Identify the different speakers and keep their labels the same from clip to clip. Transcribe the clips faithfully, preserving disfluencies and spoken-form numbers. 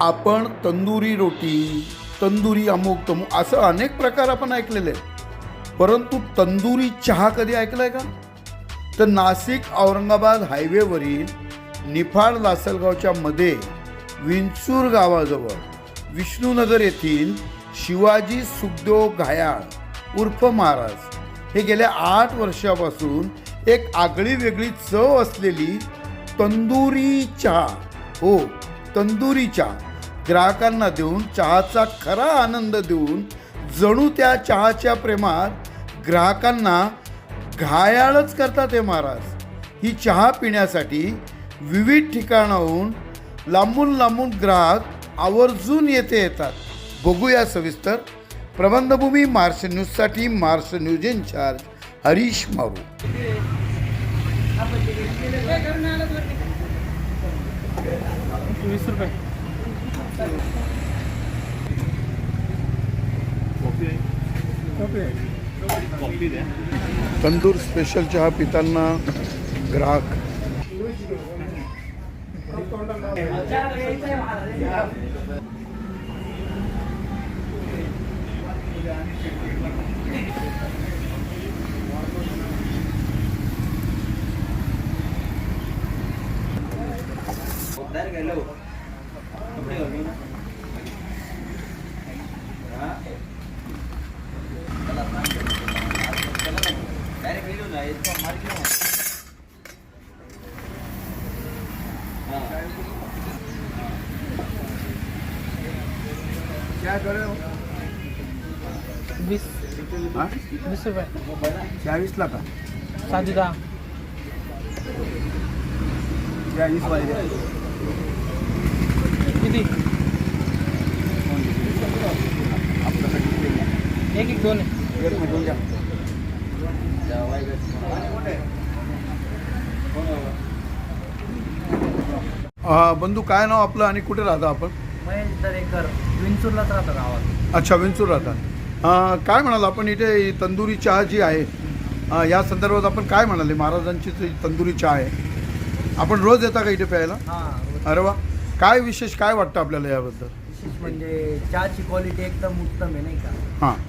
Speaker 1: आपण तंदुरी रोटी, तंदुरी अमुक तमुक असं अनेक प्रकार आपण ऐकलेले आहेत, परंतु तंदुरी चहा कधी ऐकलाय का? तर नाशिक औरंगाबाद हायवेवरील निफाड लासलगावच्या मध्ये विंचूर गावाजवळ विष्णुनगर येथील शिवाजी सुखदेव घायाळ उर्फ महाराज हे गेल्या आठ वर्षापासून एक आगळी वेगळी चव असलेली तंदुरी चहा, हो तंदुरी चहा ग्राहकांना देऊन चहाचा खरा आनंद देऊन जणू त्या चहाच्या प्रेमात ग्राहकांना घायाळच करतात हे महाराज. ही चहा पिण्यासाठी विविध ठिकाणाहून लांबून लांबून ग्राहक आवर्जून येथे येतात. बघूया सविस्तर. प्रबंधभूमी मार्श न्यूजसाठी marsh news in charge Harish Maru.
Speaker 2: वीस रुपये.
Speaker 1: तंदूर स्पेशल चहा पिताना ग्राहक. क्या करे
Speaker 2: वीस
Speaker 1: हाँ
Speaker 2: वीस रुपये.
Speaker 1: चाळीस ला का
Speaker 2: साधी दहा.
Speaker 1: चाळीस वाले
Speaker 2: किती? एक एक दोन आहे.
Speaker 1: एक मिनिट घ्या. हा बंधू, काय नाव आपलं आणि कुठे राहता आपण?
Speaker 2: महेश दरेकर, विंचूरलाच राहतो गावात.
Speaker 1: अच्छा, विंचूर राहता. अं, काय म्हणाल आपण इथे तंदुरी चहा जी आहे अं, या संदर्भात आपण काय म्हणाले? महाराजांची जी तंदुरी चहा आहे, आपण रोज येता का इथे प्यायला?
Speaker 2: हां.
Speaker 1: अरे वा, काय विशेष काय वाटतं आपल्याला याबद्दल?
Speaker 2: विशेष म्हणजे चहाची क्वालिटी एकदम उत्तम आहे नाही का.
Speaker 1: हां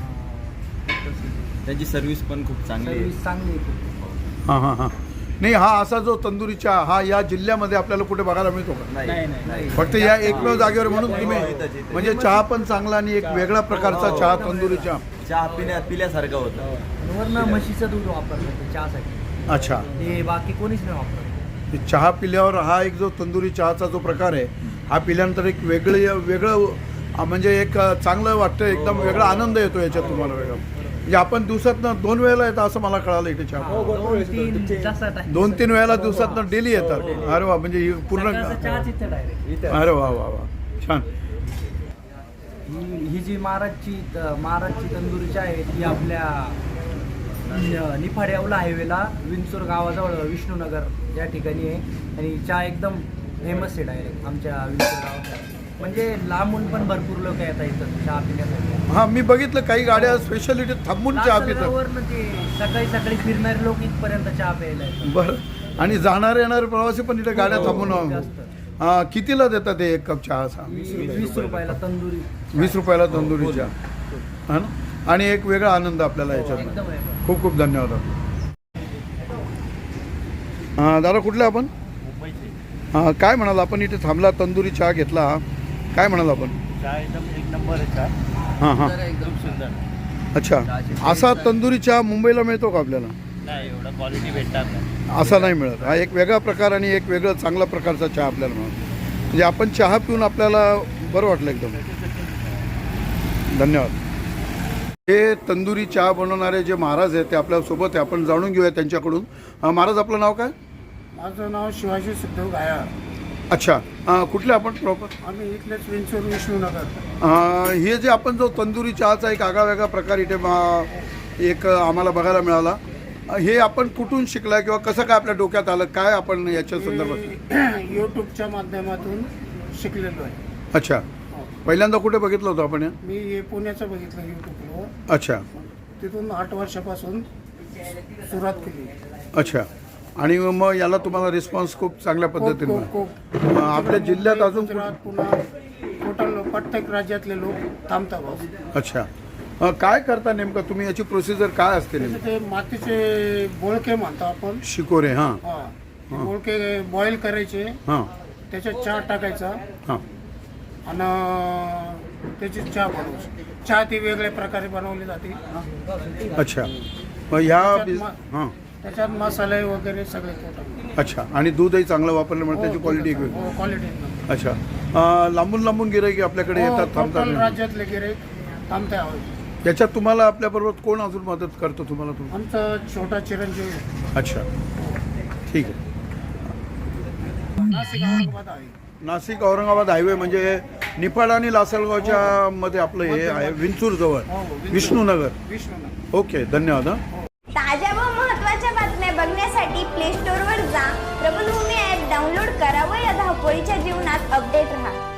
Speaker 3: त्याची सर्व्हिस पण खूप चांगली आहे.
Speaker 2: सर्विस चांगली आहे खूप.
Speaker 1: हां हां हां. नाही, हा असा जो तंदुरी चहा हा या जिल्ह्यामध्ये आपल्याला कुठे बघायला मिळतो का?
Speaker 2: नाही नाही
Speaker 1: फक्त या एकमेव जागेवर म्हणून तुम्ही
Speaker 3: इथंच, इथंच.
Speaker 1: म्हणजे चहा पण चांगला आणि एक वेगळ्या प्रकारचा चहा तंदुरी चहा.
Speaker 3: चहा पिण्या पिल्यासारखं होतं.
Speaker 2: वरनं म्हशीचं दूध वापरलं ते चहासाठी.
Speaker 1: अच्छा,
Speaker 2: ते बाकी कोणीच नाही वापरत.
Speaker 1: हे चहा पिल्यावर हा एक जो तंदुरी चहाचा जो प्रकार आहे हा पिल्यानंतर एक वेगळं वेगळं अं, म्हणजे एक अं, चांगलं वाटतं, एकदम वेगळा आनंद येतो याच्यात तुम्हाला वेगळा. म्हणजे आपण दिवसातनं दोन वेळेला येतं असं मला कळालं इथे चहा.
Speaker 2: दोन तीन जास्त time.
Speaker 1: दोन तीन वेळेला दिवसातनं डेली येतात. अरे वा, म्हणजे ही पूर्ण.
Speaker 2: सकाळचा चहाच इथे डायरेक्ट.
Speaker 1: अरे वा वा वा, छान.
Speaker 2: ही ही जी महाराजची त- महाराजची तंदुरी चहा आहे ती आपल्या न- निफाड येवला हायवेला विंचूर गावाजवळ विष्णुनगर या ठिकाणी आहे. आणि चहा एकदम फेमस आहे डायरेक्ट आमच्या विंचूर गावात. म्हणजे लांबून पण भरपूर लोक येतात इथं चहा पिण्यासाठी.
Speaker 1: हा, मी बघितलं काही गाड्या स्पेशलिटी थांबून चहा पितात.
Speaker 2: लासलगाववरनं ते सकाळी सकाळी फिरणारे लोक इथपर्यंत चहा प्यायला येतात.
Speaker 1: बरं. आणि जाणारे येणारे प्रवासी पण इथे गाड्या थांबून
Speaker 2: जास्त.
Speaker 1: हा, कितीला देतात ते एक कप चहा असा?
Speaker 2: वीस रुपयाला तंदुरी.
Speaker 1: वीस रुपयाला तंदुरी चहा, हा ना. आणि एक वेगळा आनंद आपल्याला याच्यात.
Speaker 2: एकदम आहे.
Speaker 1: खूप खूप धन्यवाद. हां दादा, कुठले आपण? हां, काय म्हणाल आपण इथे थांबला, तंदुरी चहा घेतला, काय म्हणाल आपण?
Speaker 3: चहा एकदम एक नंबर आहे चहा.
Speaker 1: हां हां.
Speaker 3: एकदम सुंदर.
Speaker 1: अच्छा, असा तंदुरी चहा मुंबईला मिळतो का आपल्याला?
Speaker 3: नाही, एवढा क्वालिटी भेटतात नाही.
Speaker 1: असा नाही मिळत. हा एक वेगळा प्रकार आणि एक वेगळा चांगला प्रकारचा चहा आपल्याला मिळतो. म्हणजे आपण चहा पिऊन आपल्याला बरं वाटलं एकदम. धन्यवाद. हे तंदुरी चहा बनवणारे जे महाराज आहेत ते आपल्यासोबत आहे, आपण जाणून घेऊया त्यांच्याकडून. अं, महाराज, आपलं नाव काय?
Speaker 4: माझं नाव शिवाजी सुखदेव घायाळ.
Speaker 1: अच्छा, अं, कुठले आपण प्रॉपर?
Speaker 4: आम्ही इथलेच विंचूर विष्णुनगर.
Speaker 1: अं, हे जे आपण जो तंदुरी चहाचा एक आगळावेगळा प्रकार इथे मा- एक आम्हाला बघायला मिळाला, हे आपण कुठून शिकला किंवा कसं काय आपल्या डोक्यात आलं, काय आपण याच्या संदर्भात?
Speaker 4: यूट्यूबच्या माध्यमातून शिकलेलो आहे.
Speaker 1: अच्छा, पहिल्यांदा कुठे बघितलं होतं आपण?
Speaker 4: मी हे पुण्याचं बघितलं यूट्यूबवर.
Speaker 1: अच्छा
Speaker 4: तिथून आठ वर्षापासून सुरुवात केली.
Speaker 1: अच्छा. आणि मग याला तुम्हाला रिस्पॉन्स खूप चांगल्या पद्धतीने
Speaker 4: खूप- खूप-
Speaker 1: मिळाला. अं, आपल्या जिल्ह्यात
Speaker 4: मुंबई,
Speaker 1: अजून
Speaker 4: गुजरात, पुन्हा टोटल प्रत्येक राज्यातले लोक थांबतात भाऊ.
Speaker 1: अच्छा अं, काय करता नेमकं तुम्ही, याची प्रोसिजर काय असते
Speaker 4: त्याचे
Speaker 1: नेमकं?
Speaker 4: ते मातीचे बोळके म्हणतो आपण.
Speaker 1: शिकोरे हां
Speaker 4: हा ते बोळके बॉईल करायचे,
Speaker 1: हां
Speaker 4: त्याच्यात चहा टाकायचा
Speaker 1: हां
Speaker 4: आणि त्याची चहा बनवायची. चहा ती वेगळ्या प्रकारे बनवली जाते.
Speaker 1: अच्छा मग ह्या
Speaker 4: त्याच्यात
Speaker 1: बिज-
Speaker 4: मा-
Speaker 1: हां
Speaker 4: त्याच्यात मसाले वगैरे सगळे टोटल.
Speaker 1: अच्छा आणि दूधही चांगलं वापरल्यामुळे त्याची क्वालिटी एक वेगळी.
Speaker 4: हो, क्वालिटी
Speaker 1: अच्छा अं, लांबून लांबून गिराईक आपल्याकडे येतात
Speaker 4: टोटल
Speaker 1: थांबतात.
Speaker 4: राज्यातले गिऱ्हाईक थांबते आहोत.
Speaker 1: याच्यात तुम्हाला आपल्याबरोबर कोण अजून मदत करतो तुम्हाला तुम
Speaker 4: आमचा छोटा चिरंजीव
Speaker 1: अच्छा ठीक आहे.
Speaker 4: नाशिक औरंगाबाद आहे.
Speaker 1: नाशिक औरंगाबाद हायवे म्हणजे निफाड आणि लासलगावच्या मध्ये आपलं हे आहे विंचूर जवळ
Speaker 4: हो, विंचूर.
Speaker 1: विष्णूनगर.
Speaker 4: विष्णू
Speaker 1: ओके धन्यवाद हां.
Speaker 5: ताज्या व महत्त्वाच्या बातम्या बघण्यासाठी प्ले स्टोअरवर जा, प्रबलभूमी ॲप डाउनलोड करा व या धावपळीच्या जीवनात अपडेट राहा.